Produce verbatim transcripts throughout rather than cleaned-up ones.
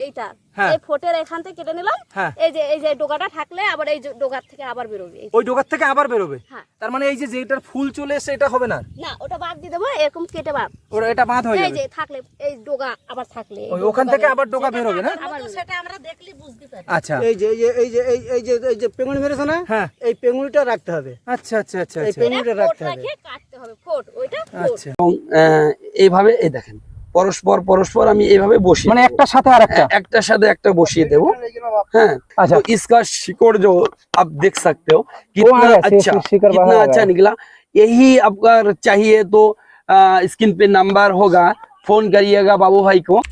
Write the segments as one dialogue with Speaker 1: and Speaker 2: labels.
Speaker 1: এইটা এই ফোটের এখান থেকে কেটে নিলাম, এই যে এই যে ডোগাটা থাকলে আবার এই ডোগার থেকে আবার বেরোবে,
Speaker 2: ওই ডোগার থেকে আবার বেরোবে। তার মানে এই যে যেটার ফুল চলে এসে এটা হবে না,
Speaker 1: না ওটা বাদ দিয়ে দেবো, এরকম কেটে বাদ,
Speaker 2: ওটা এটা বাদ হয়ে যাবে।
Speaker 1: এই যে থাকলে এই ডোগা আবার থাকলে
Speaker 2: ওই ওখান থেকে আবার ডোগা বের হবে না,
Speaker 1: সেটা আমরা দেখলি বুঝতে পারি।
Speaker 2: আচ্ছা
Speaker 3: এই যে এই যে এই যে এই যে এই যে পেঙ্গুনি মেরেছে না,
Speaker 2: হ্যাঁ
Speaker 3: এই পেঙ্গুনিটা রাখতে হবে।
Speaker 2: আচ্ছা আচ্ছা আচ্ছা
Speaker 3: এই পেঙ্গুনিটা রাখতে হবে,
Speaker 1: কাটতে হবে ফোট, ওইটা
Speaker 2: আচ্ছা।
Speaker 4: এবং এইভাবে এই দেখেন পরস্পর পরস্পর আমি এইভাবে বসি,
Speaker 2: মানে একটার সাথে আরেকটা,
Speaker 4: একটার সাথে একটা বসিয়ে দেবো। हाँ
Speaker 2: अच्छा,
Speaker 4: तो इसका शिकोड़ जो आप देख सकते हो कितना अच्छा कितना अच्छा निकला। यही आपका चाहिए तो स्क्रीन पे नंबर होगा, फोन करिएगा बाबू भाई को।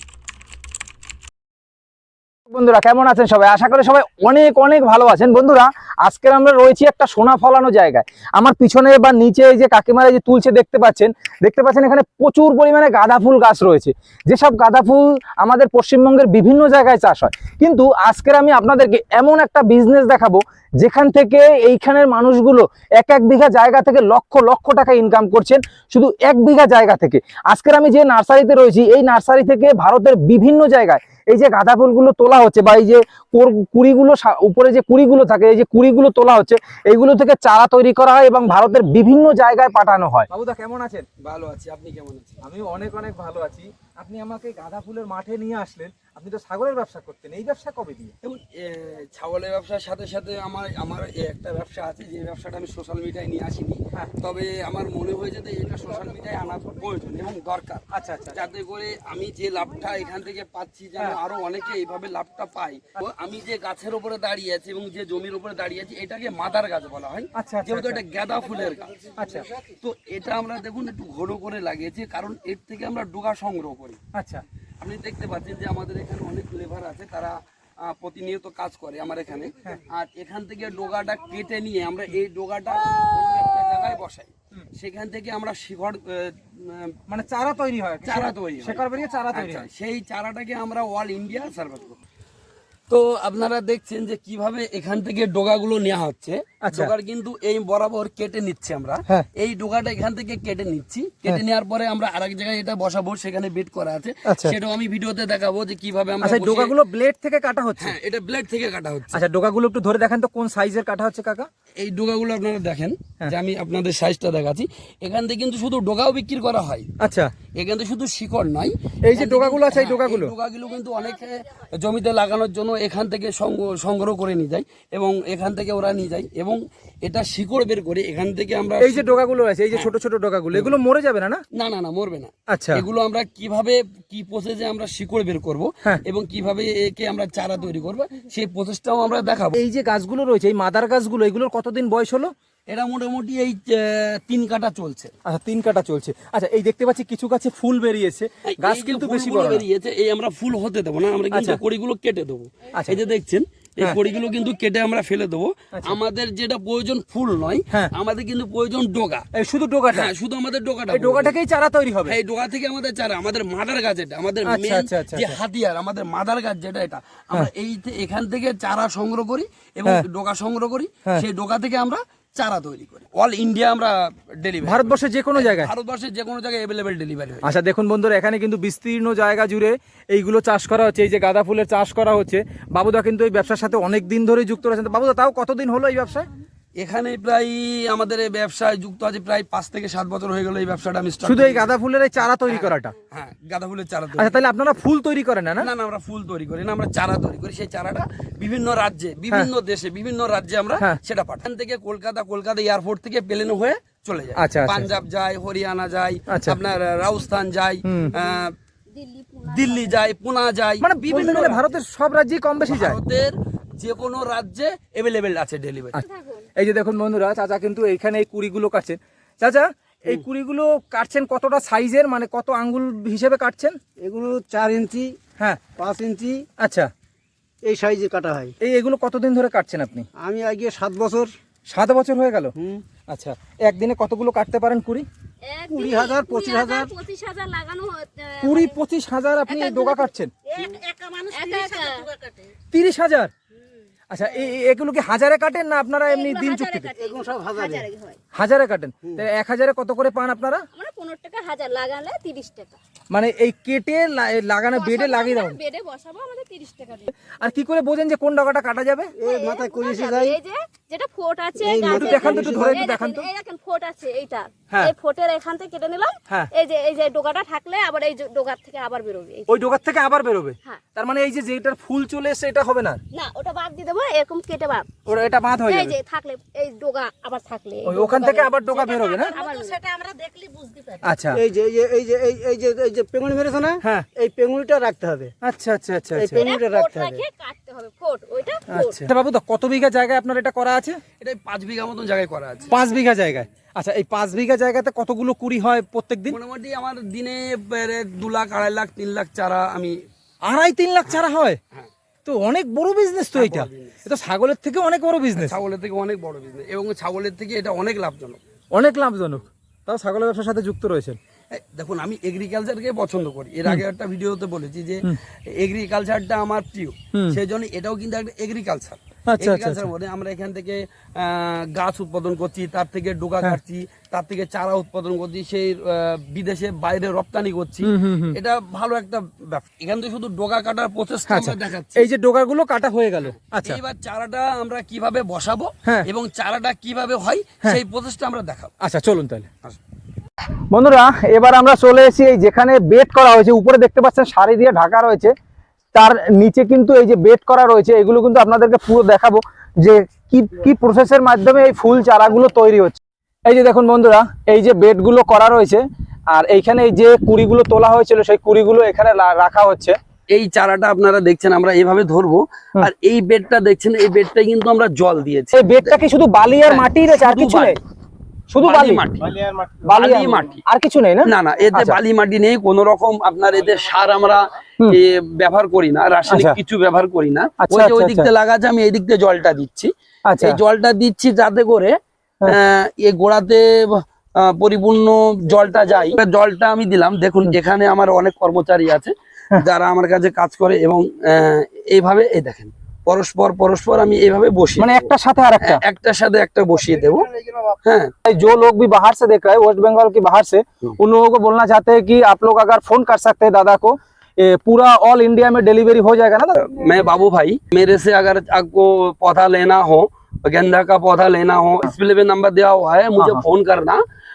Speaker 2: বন্ধুরা কেমন আছেন সবাই? আশা করি সবাই অনেক অনেক ভালো আছেন। বন্ধুরা আজকে আমরা রয়েছি একটা সোনা ফলানো জায়গায়। আমার পিছনে বা নিচে এই যে কাকিমারা যে তুলছে দেখতে পাচ্ছেন, দেখতে পাচ্ছেন এখানে প্রচুর পরিমাণে গাঁদা ফুল গাছ রয়েছে, যেসব গাঁদা ফুল আমাদের পশ্চিমবঙ্গের বিভিন্ন জায়গায় চাষ হয়। কিন্তু আজকের আমি আপনাদেরকে এমন একটা বিজনেস দেখাবো যেখান থেকে এইখানের মানুষগুলো এক এক বিঘা জায়গা থেকে লক্ষ লক্ষ টাকা ইনকাম করছেন শুধু এক বিঘা জায়গা থেকে। আজকের আমি যে নার্সারিতে রয়েছি, এই নার্সারি থেকে ভারতের বিভিন্ন জায়গায় এই যে গাঁদা ফুলগুলো তোলা হচ্ছে বা এই যে কুড়িগুলো উপরে যে কুড়িগুলো থাকে, এই যে কুড়িগুলো তোলা হচ্ছে, এইগুলো থেকে চারা তৈরি করা হয় এবং ভারতের বিভিন্ন জায়গায় পাঠানো হয়। বাবুদা কেমন আছেন?
Speaker 4: ভালো আছি, আপনি কেমন আছেন?
Speaker 2: আমি অনেক অনেক ভালো আছি। আপনি আমাকে গাঁদা ফুলের মাঠে নিয়ে আসলেন, আপনি তো ছাগলের ব্যবসা করতেন, এই ব্যবসা কবে দিয়ে?
Speaker 4: এবং ছাগলের ব্যবসার সাথে সাথে আমার আমার একটা ব্যবসা আছে, যে ব্যবসাটা আমি সোশ্যাল মিডিয়ায় নিয়ে আসিনি, তবে আমার মনে হয়েছে যে এটা সোশ্যাল মিডিয়ায় আনা প্রয়োজন এবং দরকার। আচ্ছা আচ্ছা, যাতে করে আমি যে লাভটা এখান থেকে পাচ্ছি যেন আরো অনেকে এইভাবে লাভটা পাই। আমি যে গাছের উপরে দাঁড়িয়ে আছি এবং যে জমির উপরে দাঁড়িয়ে আছি, এটাকে মাদার গাছ বলা হয়, যেহেতু এটা গাঁদা ফুলের গাছ। আচ্ছা, তো এটা আমরা দেখুন একটু ঘন করে লাগিয়েছি, কারণ এর থেকে আমরা ডোগা সংগ্রহ করি। আচ্ছা, আপনি দেখতে পাচ্ছেন যে আমাদের এখানে অনেক লেবার আছে, তারা প্রতিনিয়ত কাজ করে আমার এখানে। আর এখান থেকে ডোগাটা কেটে নিয়ে আমরা এই ডোগাটা অন্য একটা জায়গায় বসাই, সেখান থেকে আমরা শিকড়
Speaker 2: মানে চারা তৈরি হয়,
Speaker 4: চারা তৈরি
Speaker 2: শিকড় বেরিয়ে চারা তৈরি হয়,
Speaker 4: সেই চারাটাকে আমরা অল ইন্ডিয়া সার্ভিস করি। তো আপনারা দেখছেন যে কিভাবে এখান থেকে ডোগাগুলো নেওয়া হচ্ছে। ডোগার কিন্তু এই বরাবর কেটে নিচ্ছে আমরা, এই ডোগাটা এখান থেকে কেটে নিচ্ছি, কেটে নেওয়ার পরে আমরা আরেক জায়গায় এটা বসাবো, সেখানে বেড করা আছে, সেটাও আমি ভিডিওতে দেখাবো যে কিভাবে আমরা।
Speaker 2: আচ্ছা, ডোগাগুলো ব্লেড থেকে কাটা হচ্ছে?
Speaker 4: হ্যাঁ, এটা ব্লেড থেকে কাটা হচ্ছে।
Speaker 2: আচ্ছা, ডোগাগুলো একটু ধরে দেখেন তো কোন সাইজের কাটা হচ্ছে কাকা?
Speaker 4: এই ডোগাগুলো আপনারা দেখেন, যে আমি আপনাদের সাইজটা দেখাচ্ছি। এখান থেকে কিন্তু শুধু ডোগাও বিক্রি করা হয়।
Speaker 2: আচ্ছা,
Speaker 4: এখান থেকে শুধু শিকড় নয়,
Speaker 2: এই যে ডোগাগুলো আছে, এই ডোগাগুলো
Speaker 4: ডোগাগুলো কিন্তু অনেকে জমিতে লাগানোর জন্য এখান থেকে সংগ্রহ করে নিয়ে যায় এবং এখান থেকে ওরা নিয়ে যায় এবং এটা শিকড় বের করে এখান থেকে আমরা।
Speaker 2: এই যে ডোগাগুলো আছে, এই যে ছোট ছোট ডোগাগুলো, এগুলো মরে যাবে না? না
Speaker 4: না না না, মরবে না।
Speaker 2: আচ্ছা,
Speaker 4: এগুলো আমরা কিভাবে কি প্রসেসে আমরা শিকড় বের করব এবং কিভাবে একে আমরা চারা তৈরি করব, সেই প্রসেসটাও আমরা দেখাবো।
Speaker 2: এই যে গাছগুলো রয়েছে, এই মাদার গাছগুলো, এগুলোর কতদিন বয়স হলো?
Speaker 4: এটা মোটামুটি এই তিন কাটা চলছে।
Speaker 2: আচ্ছা, তিন কাটা চলছে। আচ্ছা, এই দেখতে পাচ্ছি কিছু গাছে ফুল বেরিয়েছে, গাছ কিন্তু বেশি বড়
Speaker 4: বেরিয়েছে। এই আমরা ফুল হতে দেবো না, আমরা কিন্তু কড়িগুলো কেটে দেবো। এই যে দেখছেন, এই কড়িগুলো কিন্তু কেটে আমরা ফেলে দেবো। আমাদের যেটা প্রয়োজন ফুল নয়, আমাদের কিন্তু প্রয়োজন ডোগা, শুধু ডোগাটা। হ্যাঁ, শুধু আমাদের ডোগাটা, এই ডোগাটাকেই চারা তৈরি হবে। এই ডোগা থেকে আমাদের চারা, আমাদের মাদার গাছ, এটা আমাদের মেইন যে হাতিয়ার, আমাদের মাদার গাছ যেটা, এটা আমরা এই এখান থেকে চারা সংগ্রহ করি এবং ডোগা সংগ্রহ করি, সেই ডোগা থেকে আমরা চারা তৈরি করি। অল ইন্ডিয়া আমরা ডেলিভারি, ভারতবর্ষের যে কোনো জায়গায়, ভারতবর্ষের যে কোনো জায়গায় অ্যাভেলেবেল ডেলিভারি হয়।
Speaker 2: আচ্ছা, দেখুন বন্ধুরা, এখানে কিন্তু বিস্তীর্ণ জায়গা জুড়ে এইগুলো চাষ করা হচ্ছে, এই যে গাঁদা ফুলের চাষ করা হচ্ছে। বাবুদা কিন্তু এই ব্যবসার সাথে অনেক দিন ধরেই যুক্ত রয়েছেন। বাবুদা, তাও কতদিন হলো এই ব্যবসায়?
Speaker 4: এখানে প্রায় আমাদের এই ব্যবসায় যুক্ত আছে প্রায় পাঁচ থেকে সাত বছর হয়ে গেল। এই ব্যবসাটা আমি
Speaker 2: শুধু এই গাঁদা ফুলের এই চারা তৈরি করাটা?
Speaker 4: হ্যাঁ, গাঁদা ফুলের চারা।
Speaker 2: আচ্ছা, তাহলে আপনারা ফুল তৈরি করেন না? না
Speaker 4: না, আমরা ফুল তৈরি করি না, আমরা চারা তৈরি করি। সেই চারাটা বিভিন্ন রাজ্যে, বিভিন্ন দেশে, বিভিন্ন রাজ্যে আমরা সেটা পাঠান থেকে কলকাতা, কলকাতা এয়ারপোর্ট থেকে প্লেনে হয়ে চলে যায়। পাঞ্জাব যায়, হরিয়ানা যায়, আপনার রাজস্থান যায়, দিল্লি যায়, পুনা যায়,
Speaker 2: মানে বিভিন্ন ভারতের সব রাজ্যে কম বেশি যায়।
Speaker 4: ভারতের যে কোনো রাজ্যে অ্যাভেলেবেল আছে ডেলিভারি।
Speaker 2: এই যে দেখুন বন্ধুরা, চাচা কিন্তু এইখানে এই কুড়িগুলো কাটছেন। চাচা, এই কুড়িগুলো কাটছেন কতটা সাইজের, মানে কত আঙ্গুল হিসেবে কাটছেন?
Speaker 3: এগুলো চার ইঞ্চি, হ্যাঁ পাঁচ ইঞ্চি,
Speaker 2: আচ্ছা,
Speaker 3: এই সাইজে কাটা হয়।
Speaker 2: এই এগুলো কতদিন ধরে কাটছেন আপনি?
Speaker 3: আমি আগে সাত বছর।
Speaker 2: সাত বছর হয়ে গেল? আচ্ছা, একদিনে কতগুলো কাটতে পারেন কুড়ি?
Speaker 3: কুড়ি হাজার, পঁচিশ হাজার,
Speaker 1: পঁচিশ হাজার লাগানো,
Speaker 2: কুড়ি পঁচিশ হাজার আপনি ডোগা কাটছেন? তিরিশ হাজার? আচ্ছা এই এগুলো কি হাজারে কাটেন না আপনারা এমনি
Speaker 1: এগুলো
Speaker 2: দিন
Speaker 1: হাজারে
Speaker 2: চুক্তিতে?
Speaker 1: কাটে,
Speaker 3: এগুলো সব হাজারে।
Speaker 1: হাজারে হয়।
Speaker 2: হাজারে কাটেন, তো এক হাজারে কত করে পান আপনারা?
Speaker 1: আমরা পনেরো টাকা হাজার লাগালে তিরিশ টাকা।
Speaker 2: মানে এই কেটে লা- লাগানো বেডে লাগিয়ে দাও।
Speaker 1: বেডে বসাবো আমাদের তিরিশ টাকা দিই।
Speaker 2: আর কি করে বোঝেন যে কোন ডগাটা কাটা যাবে?
Speaker 3: এই মাথায় কলিসি
Speaker 1: যাবে,
Speaker 3: যায়।
Speaker 1: এই যে যেটা ফোট আছে
Speaker 3: এই
Speaker 1: গাছের-
Speaker 2: একটু দেখান তো, একটু ধরে একটু
Speaker 1: এই
Speaker 2: দেখান তো।
Speaker 1: দেখেন, এই দেখেন ফোট আছে এইটা,
Speaker 2: হ্যাঁ।
Speaker 1: এই ফোটের এখান থেকে কেটে নিলাম।
Speaker 2: হ্যাঁ।
Speaker 1: এই যে এই যে ডোকাটা থাকলে আবার এই যে ডোকার থেকে আবার বেরোবে। এই যে-
Speaker 2: ওই ডগার থেকে আবার বেরোবে?
Speaker 1: হ্যাঁ।
Speaker 2: তার মানে এই যে যেটার ফুল চলে এসে এটা হবে না,
Speaker 1: না ওটা বাদ দিয়ে দেবো, এরকম কেটে বাদ।
Speaker 2: ওটা এটা বাঁধ হয়ে
Speaker 1: এই
Speaker 2: যাবে।
Speaker 1: যে থাকলে এই ডোকা আবার থাকলে এই
Speaker 2: ওই
Speaker 1: ডোকা
Speaker 2: ওখান থেকে
Speaker 1: বেরোবে।
Speaker 2: আবার ডগা বেরোবে না?
Speaker 1: আবার
Speaker 5: সেটা আমরা দেখলি বুঝতে পারি।
Speaker 2: আচ্ছা
Speaker 3: এই যে এই যে এই যে এই এই যে এই যে পেঙ্গুনি মেরেছে না,
Speaker 2: হ্যাঁ।
Speaker 3: এই পেঙ্গুনিটা রাখতে হবে।
Speaker 2: আচ্ছা আচ্ছা আচ্ছা
Speaker 3: এই
Speaker 2: আচ্ছা
Speaker 3: পেঙ্গুনিটা
Speaker 1: ফোট
Speaker 3: রাখতে হবে।
Speaker 1: রাখে কাটতে হবে ফোট, ওইটা ফোট।
Speaker 2: আচ্ছা বাবু দা, কত বিঘা জায়গায় আপনার এটা করা আছে?
Speaker 4: এটা পাঁচ বিঘা মতন জায়গায় করা আছে।
Speaker 2: পাঁচ বিঘা জায়গায়। আচ্ছা এই পাঁচ বিঘা জায়গাতে কতগুলো কুড়ি হয় প্রত্যেক দিন?
Speaker 4: মোটামুটি আমার দিনে প্রায় দু লাখ আড়াই লাখ তিন লাখ চারা আমি
Speaker 2: আড়াই তিন লাখ চারা হয়?
Speaker 4: হ্যাঁ।
Speaker 2: তো অনেক বড় বিজনেস তো এটা। এটা ছাগলের থেকে অনেক বড় বিজনেস,
Speaker 4: ছাগলের থেকে অনেক বড় বিজনেস এবং ছাগলের থেকে এটা অনেক লাভজনক।
Speaker 2: অনেক লাভজনক। তাও ছাগলের ব্যবসার সাথে যুক্ত রয়েছেন।
Speaker 4: এই দেখুন, আমি এগ্রিকালচারকে পছন্দ করি। এর আগে একটা ভিডিওতে বলেছি যে এগ্রিকালচারটা আমার প্রিয়, সেই জন্য এটাও কিন্তু একটা এগ্রিকালচার।
Speaker 2: আচ্ছা,
Speaker 4: এগ্রিকালচার বলে আমরা এখান থেকে আহ, গাছ উৎপাদন করছি, তার থেকে ডোকা কাটছি, তার থেকে চারা উৎপাদন করছি, সেই আহ, বিদেশে বাইরে রপ্তানি করছি। এটা ভালো একটা ব্যবসা। এখান থেকে শুধু ডোকা কাটার প্রচেষ্টা আমরা দেখাচ্ছি।
Speaker 2: এই যে ডোগাগুলো কাটা হয়ে গেল, আচ্ছা
Speaker 4: এইবার চারাটা আমরা কিভাবে বসাবো
Speaker 2: হ্যাঁ।
Speaker 4: এবং চারাটা কিভাবে হয় সেই প্রচেষ্টা আমরা দেখাবো।
Speaker 2: আচ্ছা চলুন তাহলে।
Speaker 4: আসুন।
Speaker 2: বন্ধুরা এবার আমরা চলে এসেছি এই যেখানে বেড করা হয়েছে, উপরে দেখতে পাচ্ছেন শাড়ি দিয়ে ঢাকা রয়েছে, তার নিচে কিন্তু এই যে বেড করা রয়েছে, এগুলো কিন্তু আপনাদেরকে পুরো দেখাবো যে কি কি প্রসেসের মাধ্যমে এই ফুল চারাগুলো তৈরি হচ্ছে। এই যে দেখুন বন্ধুরা, এই যে বেডগুলো করা রয়েছে আর এইখানে এই যে কুড়িগুলো তোলা হয়েছিল সেই কুড়িগুলো এখানে লা- রাখা হচ্ছে।
Speaker 4: এই চারাটা আপনারা দেখছেন আমরা এইভাবে ধরবো, আর এই বেডটা দেখছেন, এই বেডটা কিন্তু আমরা জল দিয়েছি।
Speaker 2: এই বেডটা কি শুধু বালি আর
Speaker 4: হ্যাঁ,
Speaker 2: মাটি রয়েছে, আর
Speaker 4: শুধু
Speaker 2: কিছু নেই?
Speaker 4: বালি।
Speaker 2: শুধু
Speaker 4: বালি
Speaker 2: বালি
Speaker 4: মাটি।
Speaker 2: বালি
Speaker 4: বালি
Speaker 2: আর
Speaker 4: মাটি।
Speaker 2: আর কিছু নেই না?
Speaker 4: না না, এতে
Speaker 2: আচ্ছা।
Speaker 4: বালি মাটি নেই, কোন রকম আপনার এতে সার আমরা এ, ব্যবহার করি না, রাসায়নিক
Speaker 2: আচ্ছা।
Speaker 4: কিছু ব্যবহার করি না।
Speaker 2: আচ্ছা,
Speaker 4: ওই যে ওই
Speaker 2: আচ্ছা,
Speaker 4: দিক দিয়ে লাগাচ্ছে, আমি এই দিক দিয়ে জলটা দিচ্ছি।
Speaker 2: আচ্ছা
Speaker 4: এই জলটা দিচ্ছি যাতে করে আহ, এই গোড়াতে আহ, পরিপূর্ণ জলটা যায়। এবার জলটা আমি দিলাম। দেখুন এখানে আমার অনেক কর্মচারী আছে যারা আমার কাছে কাজ করে এবং আহ, এইভাবে এই দেখেন পরস্পর পরস্পর আমি এইভাবে বসিয়ে
Speaker 2: মানে
Speaker 4: দেবো।
Speaker 2: একটা সাথে আর একটা।
Speaker 4: একটার साथ একটা বসিয়ে দেবো। হ্যাঁ,
Speaker 2: जो लोग भी बाहर से देख रहे हैं, वेस्ट बंगाल के बाहर से, उन लोगों को बोलना चाहते हैं कि आप लोग अगर फोन कर सकते हैं दादा को, ये पूरा ऑल इंडिया में डिलीवरी हो जाएगा ना दादा?
Speaker 4: मैं बाबू भाई, मेरे से अगर आपको पौधा लेना हो, गेंदा का पौधा लेना हो, डिस्प्ले पे नंबर दिया हुआ है, मुझे
Speaker 2: हाँ।
Speaker 4: फोन करना।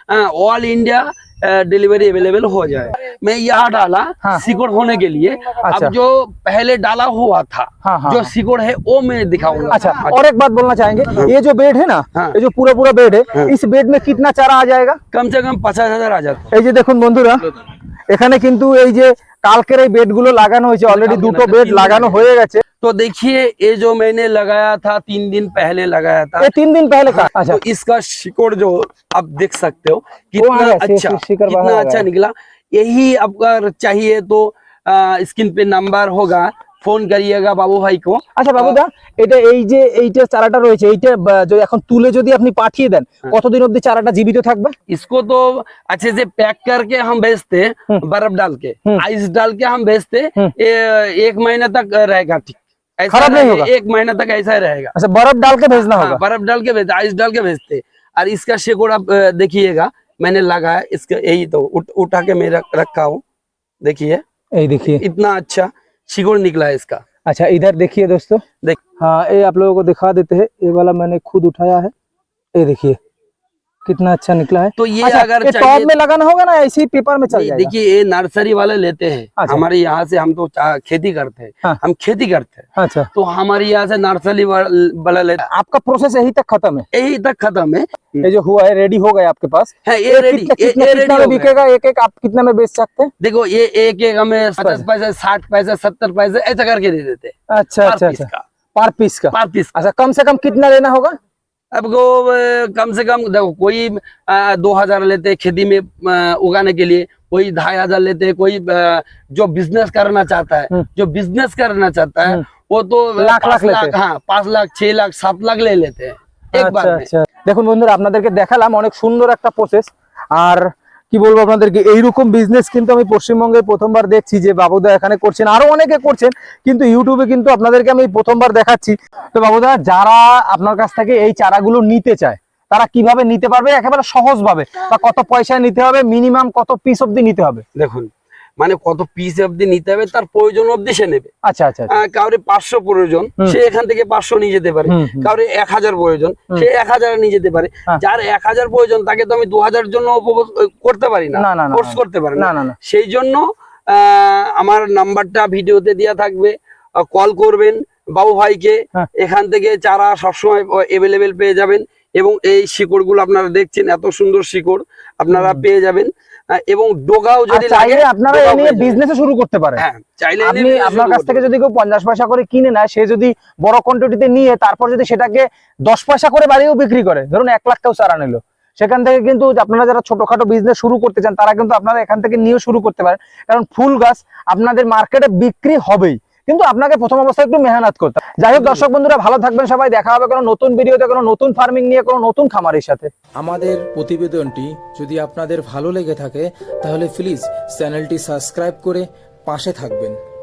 Speaker 4: ऑल इंडिया डिलीवरी अवेलेबल हो जाए। मैं यहाँ डाला
Speaker 2: हाँ।
Speaker 4: सिकुड़ होने के लिए।
Speaker 2: अच्छा।
Speaker 4: अब जो पहले डाला हुआ था,
Speaker 2: हाँ, हाँ,
Speaker 4: जो
Speaker 2: हाँ।
Speaker 4: सिकुड़ है वो मैं दिखाऊंगा।
Speaker 2: अच्छा, और एक बात बोलना चाहेंगे, ये जो बेड है ना,
Speaker 4: हाँ।
Speaker 2: ये जो पूरा पूरा बेड है, इस बेड में कितना चारा आ जाएगा?
Speaker 4: कम से कम पचास हजार आ जाता है।
Speaker 2: এই যে দেখুন বন্ধুরা, এখানে কিন্তু এই যে কালকের এই বেডগুলো লাগানো হয়েছে, অলরেডি দুটো বেড লাগানো হয়ে গেছে।
Speaker 4: तो देखिए ये जो मैंने लगाया था तीन दिन पहले लगाया था,
Speaker 2: ये तीन दिन पहले का। अच्छा
Speaker 4: तो इसका शिकोड़ जो आप देख सकते हो
Speaker 2: वो आ
Speaker 4: कितना
Speaker 2: गया,
Speaker 4: अच्छा
Speaker 2: शि- शिकड़ बाहर
Speaker 4: कितना
Speaker 2: आ
Speaker 4: अच्छा
Speaker 2: गया।
Speaker 4: निकला। यही आपका चाहिए तो स्क्रीन पे नंबर होगा, फोन करिएगा बाबू भाई को।
Speaker 2: আচ্ছা বাবুদা, এটা এই যে এইটা চারাটা রয়েছে, এইটা বা, যদি এখন তুলে যদি আপনি পাঠিয়ে দেন, কতদিন অবধি চারাটা জীবিত থাকবে?
Speaker 4: इसको तो अच्छे से पैक करके हम भेजते हैं, बर्फ डाल के आइस डाल के हम भेजते हैं। ये एक महीना तक रहेगा ठीक, ऐसा
Speaker 2: खराब नहीं
Speaker 4: रहे-
Speaker 2: होगा?
Speaker 4: एक महीना तक ऐसा ही रहेगा।
Speaker 2: আচ্ছা বরফ ডাল के भेजना
Speaker 4: हाँ,
Speaker 2: होगा।
Speaker 4: बर्फ डाल के भेजते, आइस डाल के भेजते। और इसका शेकोड़ आप अ, देखिएगा, मैंने लगाया इसका, यही तो उठ, उठा के मैं रख, रखा हूँ। देखिए
Speaker 2: এই देखिए।
Speaker 4: इतना अच्छा शिकोड़ निकला है इसका।
Speaker 2: अच्छा इधर देखिए दोस्तों,
Speaker 4: देख
Speaker 2: हाँ ये आप लोगों को दिखा देते हैं, ये वाला मैंने खुद उठाया है, ये देखिए कितना अच्छा निकला है।
Speaker 4: तो ये
Speaker 2: अच्छा,
Speaker 4: अगर
Speaker 2: ये
Speaker 4: चाहिए
Speaker 2: टॉप में लगाना होगा ना, ऐसे ही पेपर में चल
Speaker 4: नहीं,
Speaker 2: जाएगा?
Speaker 4: देखिए ये नर्सरी वाले लेते हैं।
Speaker 2: अच्छा।
Speaker 4: हमारे यहाँ से हम तो चा- खेती करते हैं,
Speaker 2: हाँ।
Speaker 4: हम खेती करते हैं,
Speaker 2: अच्छा,
Speaker 4: तो हमारे यहाँ से नर्सरी वाला लेते हैं।
Speaker 2: आपका प्रोसेस यही तक खत्म है?
Speaker 4: यही तक खत्म है।
Speaker 2: ये जो हुआ है रेडी हो गया आपके पास?
Speaker 4: है ये
Speaker 2: ये
Speaker 4: रेडी,
Speaker 2: कितना
Speaker 4: ये
Speaker 2: कितना
Speaker 4: ये
Speaker 2: कितना
Speaker 4: रेडी
Speaker 2: में
Speaker 4: हो गया।
Speaker 2: बिकेगा एक एक? आप कितना में बेच सकते हैं?
Speaker 4: देखो ये एक एक हमें पचास पैसे साठ पैसे सत्तर पैसे ऐसा करके दे देते हैं
Speaker 2: अच्छा
Speaker 4: पर
Speaker 2: अच्छा
Speaker 4: पीस
Speaker 2: अच्छा,
Speaker 4: का,
Speaker 2: पर पीस का।
Speaker 4: पर पीस।
Speaker 2: अच्छा कम से कम कितना लेना होगा?
Speaker 4: अब को अ, कम से कम देखो कोई अ, दो हजार लेते हैं खेती में अ, उगाने के लिए, कोई ढाई हजार लेते हैं, कोई अ, जो बिजनेस करना चाहता है, जो बिजनेस करना चाहता है वो तो
Speaker 2: लाख
Speaker 4: पाँच
Speaker 2: लाख लेते हैं।
Speaker 4: हाँ पाँच लाख छह लाख सात लाख ले लेते हैं एक
Speaker 2: আচ্ছা
Speaker 4: बार में।
Speaker 2: আচ্ছা, দেখুন বন্ধুরা আপনাদেরকে দেখালাম অনেক সুন্দর একটা প্রসেস। আর কি বলবো আপনাদেরকে, এইরকম বিজনেস কিন্তু আমি পশ্চিমবঙ্গে প্রথমবার দেখছি যে বাবুদা এখানে করছেন, আরো অনেকে করছেন, কিন্তু ইউটিউবে কিন্তু আপনাদেরকে আমি প্রথমবার দেখাচ্ছি। তো বাবুদা, যারা আপনার কাছ থেকে এই চারাগুলো নিতে চায় তারা কিভাবে নিতে পারবে একেবারে সহজ ভাবে, বা কত পয়সায় নিতে হবে, মিনিমাম কত পিস অবধি নিতে হবে?
Speaker 4: দেখুন, মানে কত পিস অবধি নিতে হবে তার প্রয়োজন অবধি সে নেবে।
Speaker 2: আচ্ছা আচ্ছা আচ্ছা।
Speaker 4: আহ, কাউরে পাঁচশো প্রয়োজন, সে এখান থেকে পাঁচশো নিয়ে যেতে পারে।
Speaker 2: হুম, হুম।
Speaker 4: কাউরে এক হাজার প্রয়োজন, সে এক হাজার নিয়ে যেতে পারে।
Speaker 2: হ্যাঁ।
Speaker 4: যার এক হাজার প্রয়োজন তাকে তো আমি দু হাজার জন্য উপভোগ করতে পারি না,
Speaker 2: না, না, না,
Speaker 4: ফোর্স
Speaker 2: না।
Speaker 4: করতে পারি
Speaker 2: না,
Speaker 4: না।
Speaker 2: না, না।
Speaker 4: সেই জন্য আহ, আমার নাম্বারটা ভিডিওতে দেওয়া থাকবে, কল করবেন বাবু ভাইকে।
Speaker 2: হ্যাঁ।
Speaker 4: এখান থেকে চারা সবসময় এভেলেবেল পেয়ে যাবেন, এবং এই শিকড়গুলো আপনারা দেখছেন, এত সুন্দর শিকড় আপনারা পেয়ে যাবেন। আহ, এবং ডোগাও
Speaker 2: আর
Speaker 4: যদি লাগে,
Speaker 2: চাইলে আপনারা
Speaker 4: ডোগাও
Speaker 2: এই নিয়ে
Speaker 4: পেয়ে যাবেন।
Speaker 2: বিজনেস শুরু করতে পারেন।
Speaker 4: হ্যাঁ, চাইলে
Speaker 2: আপনি
Speaker 4: এনে business
Speaker 2: আপনার
Speaker 4: শুরু
Speaker 2: কাছ
Speaker 4: করতে
Speaker 2: থেকে
Speaker 4: পারেন।
Speaker 2: যদি কেউ পঞ্চাশ পয়সা করে কিনে নেয়, সে যদি বড় কোয়ান্টিটিতে নিয়ে তারপর যদি সেটাকে দশ পয়সা করে বাড়িয়েও বিক্রি করে, ধরুন এক লাখ কেউ চারা নিল, সেখান থেকে কিন্তু আপনারা যারা ছোটখাটো বিজনেস শুরু করতে চান তারা কিন্তু আপনারা এখান থেকে নিয়েও শুরু করতে পারেন। কারণ ফুল গাছ আপনাদের মার্কেটে বিক্রি হবেই, কিন্তু আপনাকে প্রথম অবস্থায় একটু মেহনত করতে হবে। যাই হোক দর্শক বন্ধুরা, ভালো থাকবেন সবাই, দেখা হবে কোনো নতুন ভিডিওতে, কোনো নতুন ফার্মিং নিয়ে, কোনো নতুন খামারের সাথে।
Speaker 6: আমাদের প্রতিবেদনটি যদি আপনাদের ভালো লেগে থাকে তাহলে প্লিজ চ্যানেলটি সাবস্ক্রাইব করে পাশে থাকবেন।